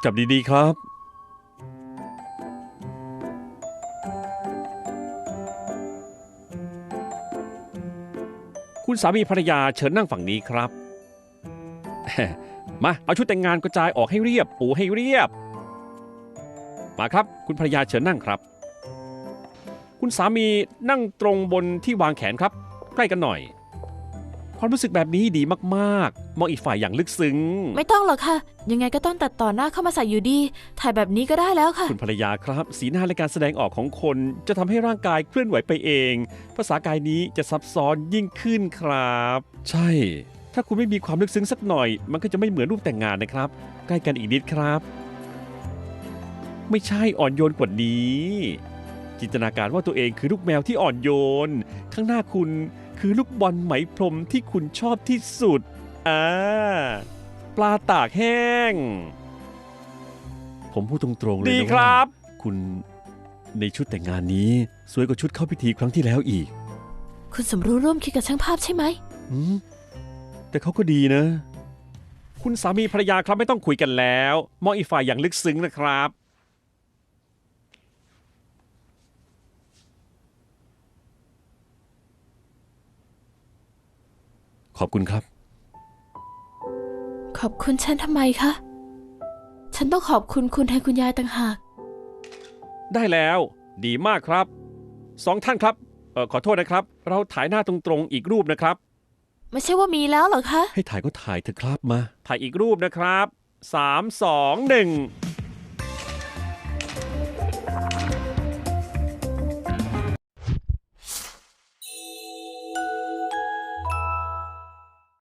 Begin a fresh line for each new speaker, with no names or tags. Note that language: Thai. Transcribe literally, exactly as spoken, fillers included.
จับดีๆครับคุณสามีภรรยาเชิญนั่งฝั่งนี้ครับ มาเอาชุดแต่งงานกระจายออกให้เรียบปูให้เรียบมาครับคุณภรรยาเชิญนั่งครับคุณสามีนั่งตรงบนที่วางแขนครับใกล้กันหน่อยความรู้สึกแบบนี้ดีมากๆมองอีกฝ่ายอย่างลึกซึ้ง
ไม่ต้องหรอกค่ะ ยังไงก็ต้องตัดต่อหน้าเข้ามาใส่อยู่ดี ถ่ายแบบนี้ก็ได้แล้วค่ะ
คุณภรรยาครับสีหน้าและการแสดงออกของคนจะทำให้ร่างกายเคลื่อนไหวไปเองภาษากายนี้จะซับซ้อนยิ่งขึ้นครับ ใช่ ถ้าคุณไม่มีความลึกซึ้งสักหน่อย มันก็จะไม่เหมือนรูปแต่งงานนะครับใกล้กันอีกนิดครับ ไม่ใช่อ่อนโยนกว่านี้ จินตนาการว่าตัวเองคือลูกแมวที่อ่อนโยน ข้างหน้าคุณคือลูกบอลไหมพรมที่คุณชอบที่สุดอ่าปลาตากแห้ง ผมพูดตรงๆเลยนะว่าดีครับ คุณในชุดแต่งงานนี้สวยกว่าชุดเข้าพิธีครั้งที่แล้วอีก
คุณสมรู้ร่วมคิดกับช่างภาพใช่ไหม
อืมแต่เขาก็ดีนะ คุณสามีภรรยาครับไม่ต้องคุยกันแล้วมองอีกฝ่ายอย่างลึกซึ้งนะครับ ขอบคุณครับ
ขอบคุณฉันทำไมคะ ฉันต้องขอบคุณคุณแทนคุณยายต่างหาก
ได้แล้วดีมากครับสองท่านครับเออขอโทษนะครับ เราถ่ายหน้าตรงๆอีกรูปนะครับ
ไม่ใช่ว่ามีแล้วเหรอคะ
ให้ถ่ายก็ถ่ายเถอะครับมา ถ่ายอีกรูปนะครับสามสองหนึ่ง